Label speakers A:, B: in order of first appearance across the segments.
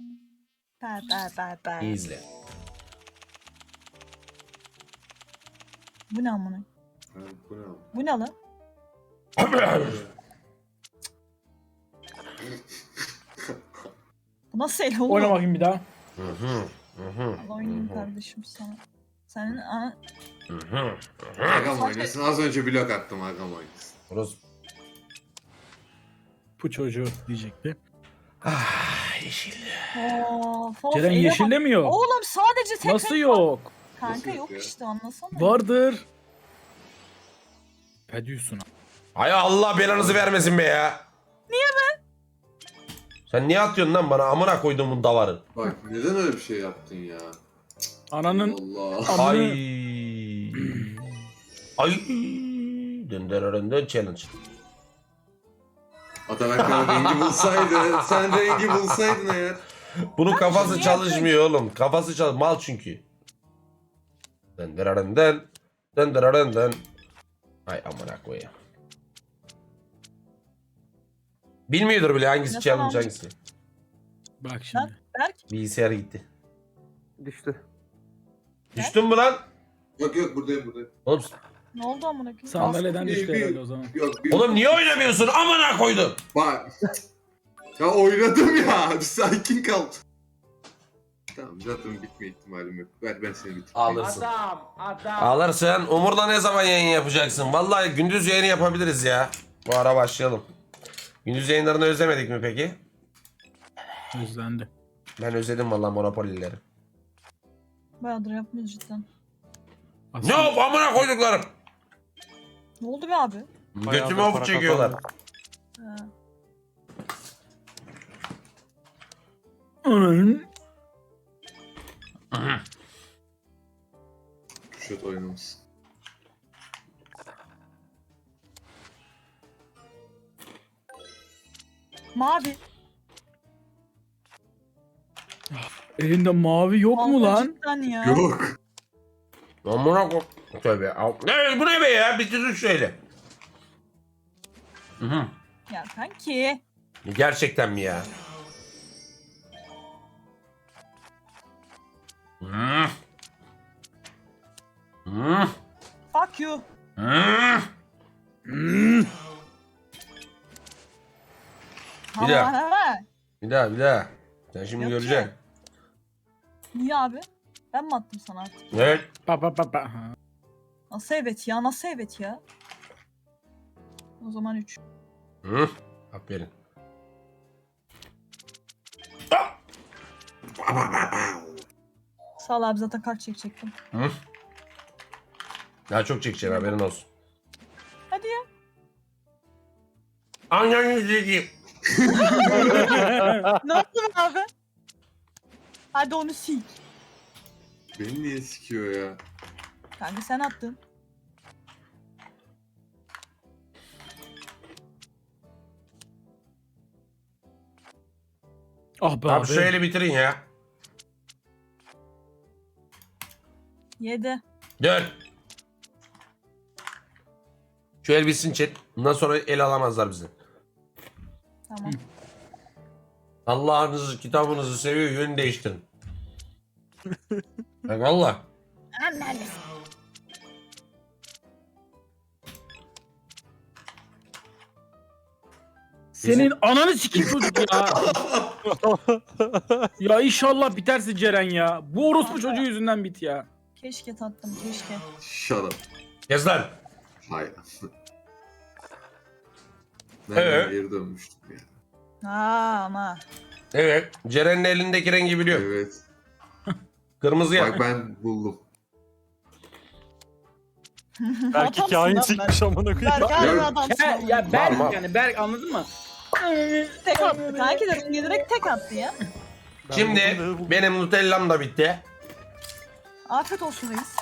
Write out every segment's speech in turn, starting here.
A: İyi izle.
B: Bu ne amına?
C: Bu ne?
B: Bu ne lan? Bu nasıl el oğlum?
D: Oyna bakayım bir daha.
B: Allah oynayayım kardeşim sana. Senin ana...
C: Agam oynasın. Az önce blok attım Agam oynasın.
A: Burası.
D: Bu çocuğu diyecekti.
A: Yeşil.
B: Of,
D: Ceren
B: ele
D: yeşilde
B: bak.
D: mi yok?
B: Oğlum sadece tek
D: Nasıl
B: renk
D: yok?
B: var. Kanka
C: Nasıl
B: yok
C: yok ya?
B: işte anlasana.
D: Vardır. Ne diyorsun?
A: Hay Allah belanızı vermesin be ya. Niye be? Sen niye atıyorsun lan bana amına koyduğumun davarı?
C: Bak neden öyle bir şey yaptın ya?
D: Ananın
C: Allah.
A: Ay.
D: amını...
A: Ay. Döndürüründen challenge.
C: Ataberk rengi bulsaydı. Sen rengi bulsaydın eğer.
A: Bunun kafası çalışmıyor oğlum. Kafası çalış mal çünkü. Döndürüründen. Döndürüründen. Ay amına koyayım. Bilmiyordur bile hangisi
B: Nasıl
A: challenge
B: almış?
A: hangisi.
D: Bak şimdi.
B: Berk
A: Bilgisayar gitti.
E: Düştü.
A: Düştün mü lan?
C: Yok buradayım.
A: Oğlum,
B: ne oldu amına koyayım?
D: Sandalyeden
C: Bir-
D: düştü
C: bir-
D: herhalde o zaman.
C: Yok
A: oğlum niye oynamıyorsun? Amına koydun.
C: Bak. Ya oynadım ya. Bir sakin kal. Tamam zaten bitme ihtimalim yok. Ver ben seni bitireyim.
A: Alırsın.
E: Adam.
A: Alırsın. Umur'la ne zaman yayın yapacaksın? Vallahi gündüz yayını yapabiliriz ya. Bu ara başlayalım. Gündüz yayınlarını özlemedik mi peki?
D: Özlendi.
A: Ben özledim vallahi Monopoly'leri.
B: Bayağıdır yapmıyoruz cidden.
A: Ne oldu amına koyduklarım?
B: Ne oldu be abi?
A: Götüme of çekiyorlar.
B: Ha.
D: Ananın...
C: Kuşat oynamışsın.
B: Mavi.
D: Elinde mavi yok mu
B: Vallahi
D: lan?
B: Cidden ya.
C: Yok.
A: Amına koy. Tövbe. Ne bu ne be ya? Bitirin şöyle. Hı.
B: Ya kanki.
A: Gerçekten mi ya? Hı. Hı.
B: Fuck you.
A: Hı. Bir daha.
B: Ha.
A: Bir daha. Sen şimdi
B: Yok
A: göreceksin.
B: ki. Niye abi? Ben mi attım sana artık?
A: Evet.
D: Pa. Ha.
B: Nasıl evet ya? Nasıl evet ya? O zaman 3.
A: Hı. Aferin.
B: Sağ ol abi zaten kart çekecektim.
A: Hı. Daha çok çekeceksin haberin olsun.
B: Hadi ya.
A: Ananı sikeyim.
B: Ne yaptın abi? Hadi onu sik.
C: Beni niye sikiyor ya?
B: Kanka sen attın.
D: Ah be
A: Abi
D: abi.
A: şöyle bitirin ya.
B: 7.
A: Dön. Şu el bitsin chat. Bundan sonra el alamazlar bizi.
B: Tamam.
A: Allah'ınızı, kitabınızı seviyor, yönü değiştirin. Bak valla.
D: Senin ananı sikeyim çocuk ya. Ya inşallah bitersin Ceren ya. Bu orospu çocuğu yüzünden bit ya.
B: Keşke tattım keşke.
C: Shut up.
A: Yaz lan.
C: Hayır. Ben geri dönmüştüm ya.
B: Ha ama.
A: Evet. Ceren'in elindeki rengi biliyor.
C: Evet.
A: Kırmızı ya.
C: Bak ben buldum.
E: Belki
B: Adamsın
E: kain
B: lan
E: çıkmış amına
B: Berk
E: koyayım.
B: harbi
C: Ya-
B: adamsın.
D: Ya,
B: oğlum.
D: ya Berk
A: Var.
D: yani Berk anladın mı?
B: Tek attı. Kanki de rengi direkt tek attı ya.
A: Şimdi benim Nutella'm da bitti.
B: Afiyet olsun reis.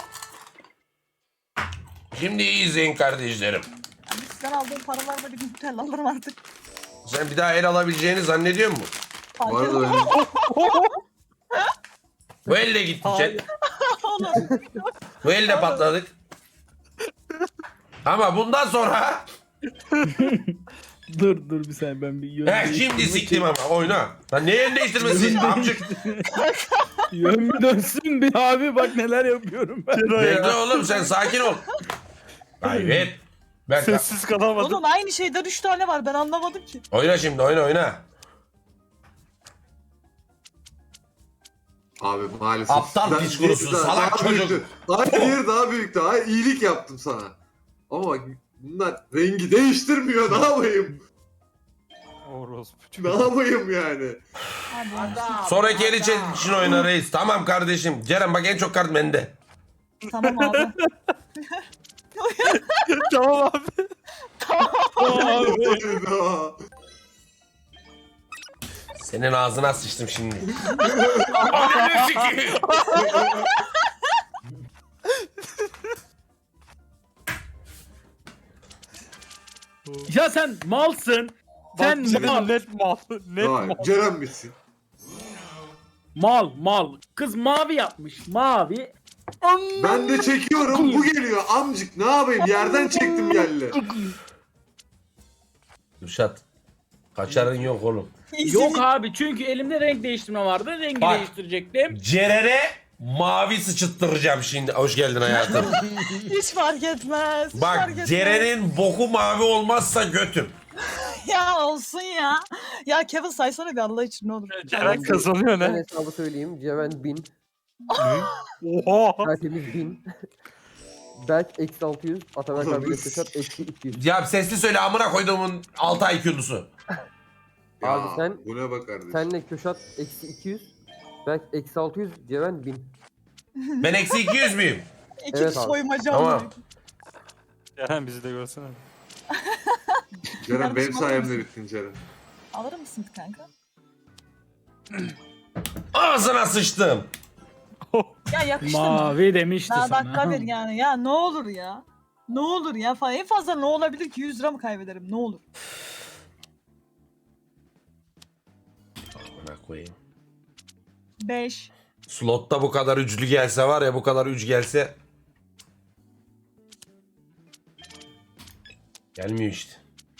A: Şimdi iyi izleyin kardeşlerim.
B: Yani sizden aldığım paralarla bir Nutella alırım artık.
A: Sen bir daha el alabileceğini zannediyor musun?
B: Fark
C: Bu arada
B: etmez.
C: benim
A: Bu el de gitti
E: Hayır.
A: chat. Bu el de patladık. Ama bundan sonra
D: Dur bir saniye ben bir yön
A: He şimdi siktim ama oyna. Lan ne yön değiştirmesi amcık.
D: Yön bir dönsün bir abi bak neler yapıyorum ben.
A: Bekle oğlum sen sakin ol. Kaybet. Ben
E: Sessiz kalamadım.
B: Oğlum aynı şeyden 3 tane var ben anlamadım ki.
A: oyna şimdi oyna.
C: Abi maalesef.
A: Aptal
C: Ben-
A: piç kurusu,
C: daha-
A: salak
C: daha
A: çocuk.
C: büyüktü. Hayır daha büyüktü. Hayır iyilik yaptım sana. Ama bak bunlar rengi değiştirmiyor. Ne yapayım?
E: Orospu.
C: Ne yapayım yani?
B: Hadi.
A: Sonraki el için oyna reis. Tamam kardeşim. Ceren bak en çok kart bende.
B: Tamam abi.
E: Tamam abi.
C: Hayda.
A: Senin ağzına sıçtım şimdi. Ananı sikeyim.
D: Ya sen malsın. Sen
E: Bak,
D: mal.
E: net mal. Net
C: Hayır,
E: mal.
C: Ceren bitsin.
D: Mal. Kız mavi yapmış. Mavi.
C: Ben de çekiyorum. Bu geliyor amcık. Ne yapayım? Yerden çektim geldi.
A: Kürşat. Kaçarın yok oğlum.
D: Yok abi çünkü elimde renk değiştirme vardı. Rengi
A: Bak.
D: değiştirecektim.
A: Ceren'e mavi sıçıttıracağım şimdi. Hoş geldin hayatım.
B: Hiç fark etmez. Hiç
A: Bak
B: fark etmez.
A: Ceren'in boku mavi olmazsa götüm.
B: Ya olsun ya. Ya Kevin saysana bir Allah için ne olur.
E: Ceren kazanıyor
F: Ben
E: ne?
F: hesabı söyleyeyim. Ceven 1000.
E: Oha.
F: Tertemiz 1000. Berk eksi 600. Ataberk abiyle Köşat eksi 200.
A: Ya sesli söyle amına koyduğumun 6 IQ'lusu.
C: Ya,
F: Abi sen-
C: bu ne be kardeşim?
F: Senle Köşat eksi 200. Berk eksi 600. Ceven 1000.
A: Ben eksi 200 müyüm?
B: İki
F: Evet abi.
B: soymacı
A: Tamam.
B: oldu.
E: Ceren bizi de görsene.
C: Ceren benim
B: Kardeşim, alır
C: sayemde
B: mısın?
C: bittin Ceren.
B: Alır mısın kanka?
A: Ağzına sıçtım.
B: Ya yakıştı mı?
D: Mavi demişti
B: Daha
D: sana.
B: dakika bir yani. Ya ne olur ya. Ne olur ya falan. En fazla ne olabilir ki 100 lira mı kaybederim? Ne olur?
A: Amına koyayım.
B: 5.
A: Slotta bu kadar üçlü gelse var ya bu kadar üç gelse. Gelmiyor işte.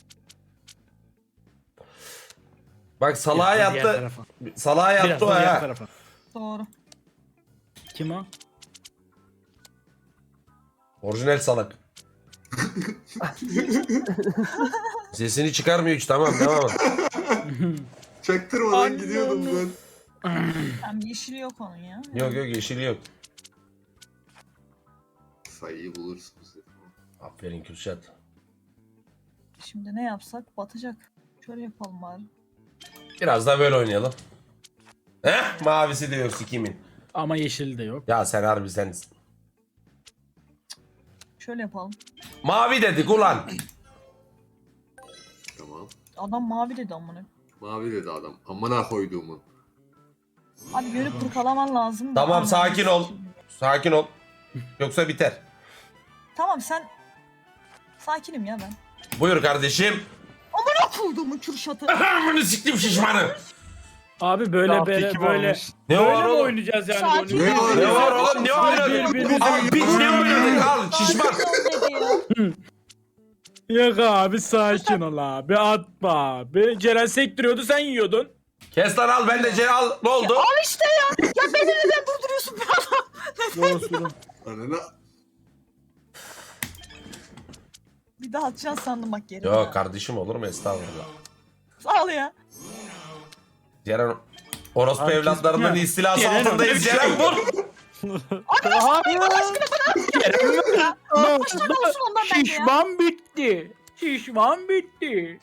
A: Bak salağa
D: Biraz da diğer
A: yattı.
D: tarafa.
A: Salağa
D: Biraz
A: yattı o
D: da diğer
A: ha.
D: tarafa.
B: Doğru.
D: Kim o?
A: Orijinal salak. Sesini çıkarmıyor hiç tamam devam et.
C: Çaktırmadan gidiyordum ben.
B: Hem yeşili yok onun ya.
A: Yok yeşili yok.
C: Sayıyı bulursunuz dedim.
A: Aferin Kürşat.
B: Şimdi ne yapsak batacak. Şöyle yapalım bari.
A: Biraz da böyle oynayalım. Heh mavisi de yok sikimin.
D: Ama yeşil de yok.
A: Ya sen harbi sen.
B: Şöyle yapalım.
A: Mavi dedik ulan.
C: Tamam.
B: Adam mavi dedi amına.
C: Mavi dedi adam. Amına koyduğumun.
B: Abi yönü kurkalaman lazım. da
A: Tamam
B: anladım.
A: sakin ol. Sakin ol. Yoksa biter.
B: Tamam sen... Sakinim ya ben.
A: Buyur kardeşim.
B: Ne kurduğumun Kürşat'ı?
A: Bunu siktim şişmanı.
D: Abi böyle
E: Daha
D: böyle
E: peki
D: böyle.
E: varmış.
A: Ne
D: Böyle
A: var
D: mi
A: oğlum?
D: oynayacağız yani?
B: Sakin
D: böyle?
C: Ne var?
A: Ne var oğlum ne oynadın?
D: Birbirimize-
A: Al piç ne oynadın al şişman.
B: Sakin ol dedi ya.
D: Yok abi sakin ol abi atma abi. Ceren sektiriyordu sen yiyordun.
A: Kes lan al ben de al ne oldu?
B: Al işte ya. Ya beni neden durduruyorsun be adam?
D: Olsun.
C: Anana.
B: Bir daha atacaksın sandım bak geri.
A: Yok kardeşim olur mu estağfurullah.
B: Sağ ol ya.
A: Ceren orospu
D: Herkes-
A: evlatlarının
D: Ya,
A: istilası
D: Ceren
A: altındayız
D: öyle bir
A: Ceren
D: şey
A: vur.
D: Ne oldu?
B: olsun ondan bence ya.
D: Şişman bitti. Şişman bitti.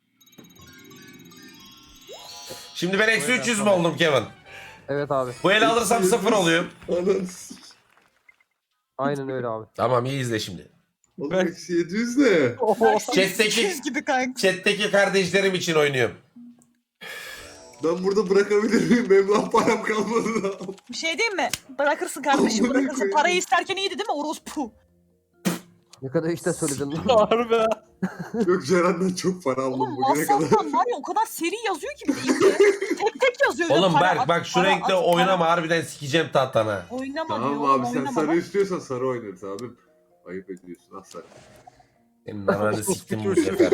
A: Şimdi ben eksi 300 mü oldum Kevin?
F: Evet abi.
A: Bu eli alırsam 0 oluyor.
C: Ananı.
F: Aynen öyle abi.
A: Tamam iyi izle şimdi.
C: Oğlum eksi 700 ne?
A: Chat'teki,
B: 200 gibi kanka.
A: chat'teki kardeşlerim için oynuyorum.
C: Ben burada bırakabilir miyim? Benim lan param kalmadı da.
B: Bir şey diyeyim mi? Bırakırsın kardeşim
C: Amına
B: bırakırsın.
C: koyayım.
B: Parayı isterken iyiydi değil mi orospu?
F: Ne kadar işte söyledin lan.
E: Harbi.
C: Yok Ceren'den çok para aldım
B: Oğlum
C: bugüne kadar.
B: WhatsApp'tan var ya o kadar seri yazıyor ki bir de ilgili. Tek tek yazıyor.
A: Oğlum
B: Para
A: Berk
B: at,
A: bak şu
B: para
A: renkte
B: at,
A: oynama harbiden sikeceğim tahtana.
B: Oynama
C: Tamam
B: diyor.
C: abi sen
B: oynama
C: sarı
B: bak.
C: istiyorsan sarı oynarız abim. Ayıp ediyorsun ah sarı.
A: Senin ananı siktim bu sefer.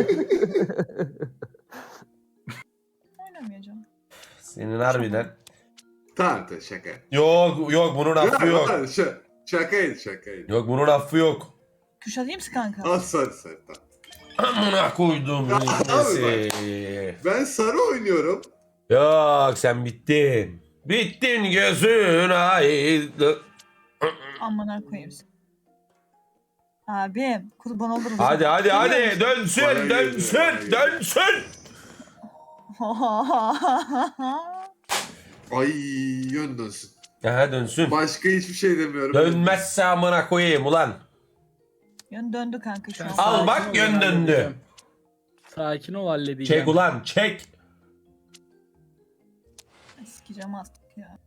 B: Oynamayacağım.
A: Senin harbiden.
C: Tamam şaka.
A: Yok bunun affı yok.
C: Şakaydı.
A: Yok bunun affı yok.
B: Kuşatayım mı kanka?
C: Al sarı tamam.
A: Amına koydum
C: Ya,
A: neyse.
C: Ben sarı oynuyorum.
A: Yok sen bittin. Bittin gözün aydın.
B: Amına koyayım seni. Abim kurban olurum.
A: Hadi
B: Geliyor musun?
A: dönsün
C: Bana geliyor,
A: dönsün
C: bana geliyor.
A: dönsün.
C: Ay yön dönsün.
A: Aha dönsün.
C: Başka hiçbir şey demiyorum.
A: Dönmezse amına koyayım ulan.
B: Yön döndü kanka şu an.
A: Al
D: Sakin
A: bak,
D: ol,
A: yön
D: ben
A: döndü.
D: halledeceğim. Sakin ol halledeceğim.
A: Çek ulan çek.
B: Sikeceğim artık ya.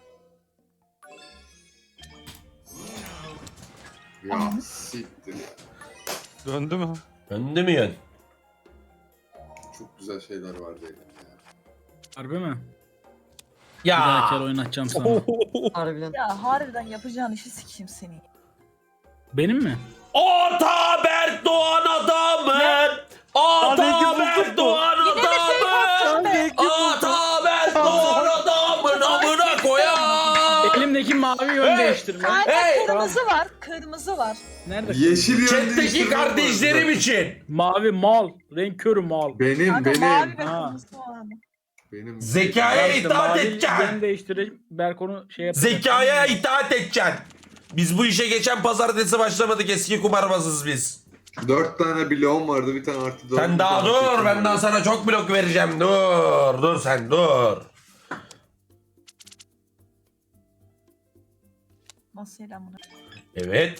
C: Ya siktir ya.
E: Döndü mü?
A: Döndü mü yön?
C: Çok güzel şeyler vardı elimde ya.
D: Harbi mi? Bir daha kere
A: Ya.
D: oynatacağım sana.
F: Harbiden.
B: Ya harbiden yapacağın işi sikeyim seni.
D: Benim mi?
A: Ataberk Doğan adamın. Ataberk Doğan
B: Yine bir şey
A: adamın. Ataberk Doğan adamın amına koyar.
D: Elimdeki mavi yön
A: Hey!
D: değiştirme.
B: Kanka
A: Hey!
B: kırmızı var. Kırmızı var.
D: Nerede?
C: Yeşil yön
A: Chat'teki
C: değiştirmem
A: kardeşlerim
C: lazım.
A: için.
D: Mavi mal. Renk körü mal.
C: Benim
B: Kanka mavi
C: benim.
B: ve
D: Ha.
B: kırmızı var.
C: Benim.
A: Zekaya
D: İşte
A: itaat
D: mavi
A: edeceksin.
D: yön değiştireyim. Berk onu şey yapacak.
A: Zekaya itaat edeceksin. Biz bu işe geçen pazartesi başlamadık, eski kumarbazız biz.
C: 4 tane bloğum vardı, bir tane artı 4.
A: Sen daha dur, ben daha sana çok blok vereceğim. Dur sen dur.
B: Nasıl lan bunu?
A: Evet.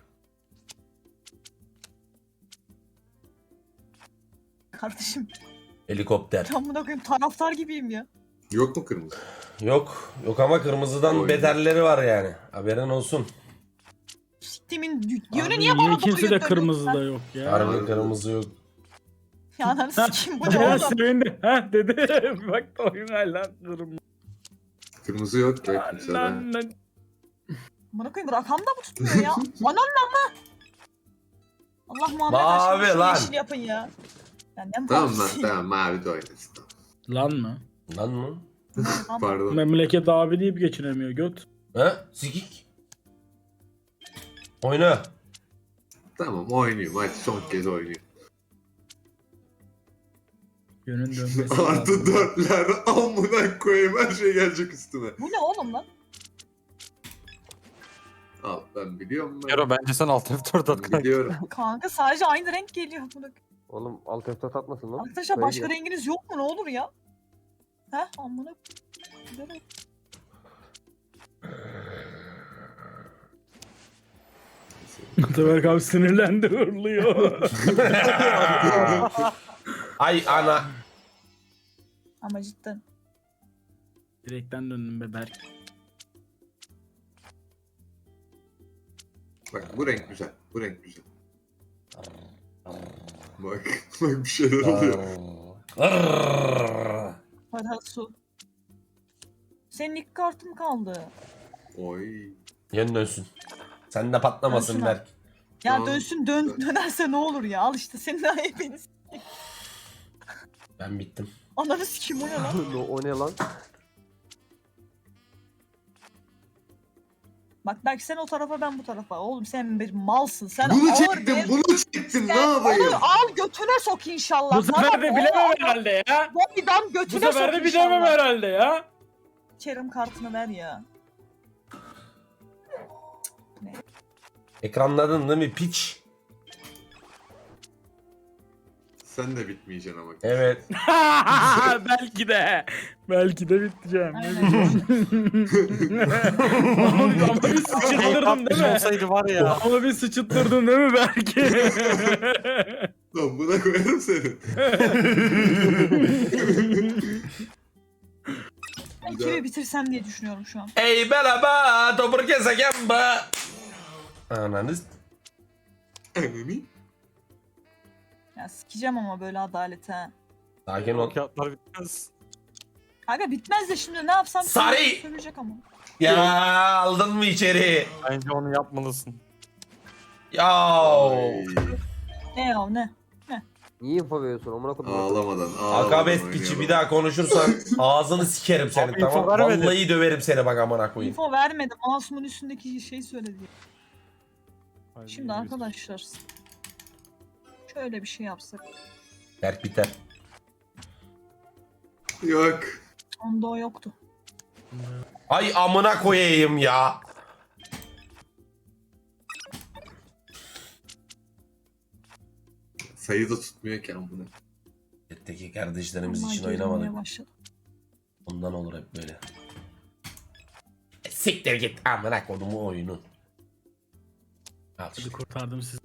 B: Kardeşim
A: Helikopter.
B: ben buna koyayım taraftar gibiyim ya.
C: Yok mu kırmızı?
A: Yok ama kırmızıdan
C: Oy.
A: beterleri var yani. Haberin olsun.
B: Siktimin yönü
D: Abi,
B: niye bana doğru
D: ikisi de
B: dönüyor?
D: kırmızı da yok ya.
A: Harbi kırmızı yok.
B: Ya ananı sikeyim bu ne
D: Ceren
B: oğlum?
D: sevindi. Ha dedi. Bak da oyun hala kırmızı.
C: Kırmızı yok be kimsede.
D: Lan.
B: Bana koyayım rakam da mı tutmuyor ya? Ananla mı? Allah Muhammed
A: Mavi
B: aşkına şu
A: lan.
B: yeşil yapın ya. Ya ne
C: Tamam lan
B: mavisi?
C: tamam mavi de oynasın. Tamam.
D: Lan mı?
A: Lan mı?
B: Tamam.
C: Pardon.
D: Memleket abi deyip geçinemiyor göt.
A: Ha? Sikik. Oyna.
C: Tamam oynuyorum, hadi son kez oynuyorum.
D: Yönün dönmesi
C: Artı
D: lazım.
C: 4'ler amına koyayım, her şey gelecek üstüme.
B: Bu ne oğlum lan?
C: Al ben biliyorum ben.
E: Yaro bence sen alt F4 at kanka.
C: Biliyorum.
B: Kanka sadece aynı renk geliyor. Bunu.
F: Oğlum alt F4 atmasın lan.
B: Arkadaşlar
F: Böyle
B: başka
F: gel.
B: renginiz yok mu ne olur ya? Heh amına. Güzel.
D: Ataberk abi sinirlendi hırlıyor.
A: Ay ana.
B: Ama cidden.
D: Direkten döndüm be Berk.
C: Bak bu renk güzel, bu renk güzel. Bak bir şeyler oluyor.
B: Para su. Senin ilk kartın kaldı.
C: Oy.
A: Yön dönsün. Sen de patlamasın
B: Dönsün
A: Berk.
B: Ya
C: Tamam.
B: dönsün dönerse ne olur ya? Al işte senin ayıbınız.
A: Ben bittim.
B: Ananı sikeyim o ne lan?
F: O ne lan?
B: Bak belki sen o tarafa ben bu tarafa. Oğlum sen bir malsın. Sen
C: Bunu
B: ağır
C: çektim,
B: bir...
C: bunu çektim, ne
B: Sen
C: yapayım?
B: onu al götüne sok inşallah.
D: Bu sefer de bilemem herhalde ya.
B: Bobby'dan
D: Bu
B: götüne
D: sefer
B: sok
D: de bilemem
B: inşallah.
D: herhalde ya.
B: Kerim kartını ver ya.
A: Ekranladın değil mi piç?
C: Sen de bitmeyeceksin ama.
A: Evet.
D: Belki de. Belki de biteceğim.
B: Aynen.
D: Ama bir sıçıttırdın değil mi?
E: olsaydı var ya.
D: Ama bir sıçıttırdın değil mi belki?
C: Lan buna koyarım seni.
B: Ben kimi bitirsem diye düşünüyorum şu an.
A: Ey merhaba, topur keseken be. Ananız.
C: Ananı.
B: Ya sikeceğim ama böyle adalete. ha.
A: Sakin ol.
E: Kağıtlar bitmez.
B: Kanka bitmez de şimdi ne yapsam
A: Sarı!
B: söyleyecek ama.
A: Ya aldın mı içeri?
E: Bence onu yapmalısın.
A: Ya.
C: Ay.
B: Ne ya ne?
F: Niye info veriyorsun? Amına koydum.
C: Ağlamadan.
A: Akabes piçi bir daha konuşursan ağzını sikerim senin,
E: Abi,
A: tamam.
E: info vermedi.
A: Vallahi döverim seni bak amına koyayım.
B: Info vermedim. Mouse'umun üstündeki şey söyledi. Şimdi arkadaşlar. Şöyle bir şey yapsak.
A: Berk biter.
C: Yok.
B: Onda o yoktu.
A: Ay amına koyayım ya.
C: Sayı da tutmuyor ki amına.
A: Chat'teki kardeşlerimiz
B: Vallahi
A: için
B: gerilmeye
A: oynamadık.
B: başladı.
A: Ondan olur hep böyle. Siktir git amına kodumu oyunu. Al işte.
D: Hadi kurtardım sizi.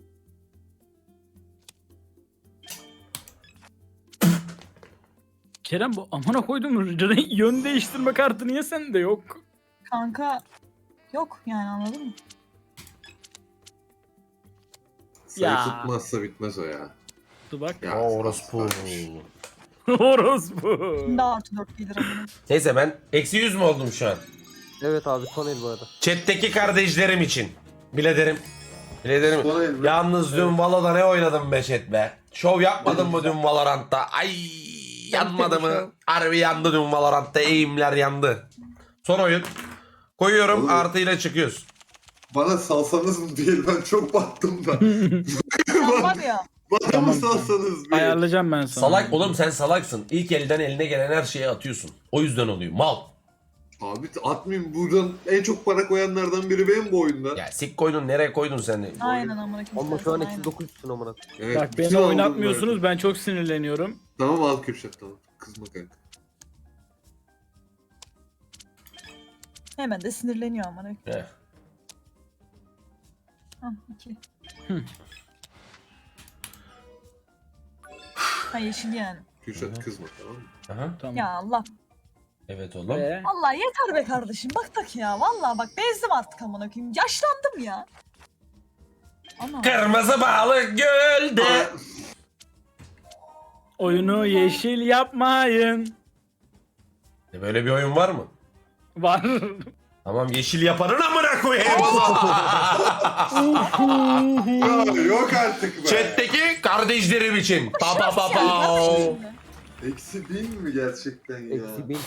D: Kerem bu amına koydum yön değiştirme kartı niye sende yok?
B: Kanka yok yani anladın mı?
C: Sayı
D: Ya.
C: tutmazsa bitmez o ya.
D: Dur bak.
C: Ya
A: Orospu.
D: Orospu.
B: Şimdi artı 4 gelir amına.
A: Neyse ben eksi 100 mü oldum şu an?
F: Evet abi son el bu arada.
A: Chat'teki kardeşlerim için. Bilederim. Bilederim.
C: Son el mi?
A: Yalnız dün Valo'da ne oynadım be chat be. Şov yapmadın mı dün Valorant'ta? Ay yanmadı mı? Harbi yandı dün Valorant'ta. Eğimler yandı. Son oyun. Koyuyorum
C: Oğlum.
A: artıyla çıkıyoruz.
C: Bana salsanız mı değil, ben çok battım da.
B: Sen var ya.
C: Bana
D: Tamam,
C: mı salsanız bir?
D: Ayarlayacağım ben sana.
A: Salak oğlum, sen salaksın. İlk elden eline gelen her şeyi atıyorsun. O yüzden oluyor. Mal.
C: Abi atmayayım, buradan en çok para koyanlardan biri benim bu oyunda.
A: Ya sik koydun, nereye koydun sen?
B: Aynen amına koyayım.
F: Ama şu an
B: Aynen.
F: eksi 9'sun amına.
C: Evet,
D: Bak
C: bütün
D: beni
C: aldım
D: oynatmıyorsunuz,
C: ben.
D: ben çok sinirleniyorum.
C: Tamam al Kürşat, tamam. Kızma kanka.
B: Hemen de sinirleniyor amına.
A: Heh.
B: Hah 2. Ha yeşil yani.
C: Kürşat kızma, tamam mı?
A: Aha.
D: Tamam.
B: Ya Allah.
A: Evet oğlum.
D: Ve
B: Vallahi yeter be kardeşim. Bak tak ya. Vallahi bak bezdim artık amına koyayım. Yaşlandım ya. Ana.
A: Kırmızı balık gölde.
C: Aa,
D: oyunu yeşil yapmayın.
A: Böyle bir oyun var mı?
D: Var.
A: Tamam, yeşil yapanın amına koyayım o zaman.
C: ya yok artık be.
A: Chat'teki kardeşlerim için. Pa pa pa pa.
B: Kardeşim.
C: Eksi 1000 mi gerçekten ya?
F: Eksi 1000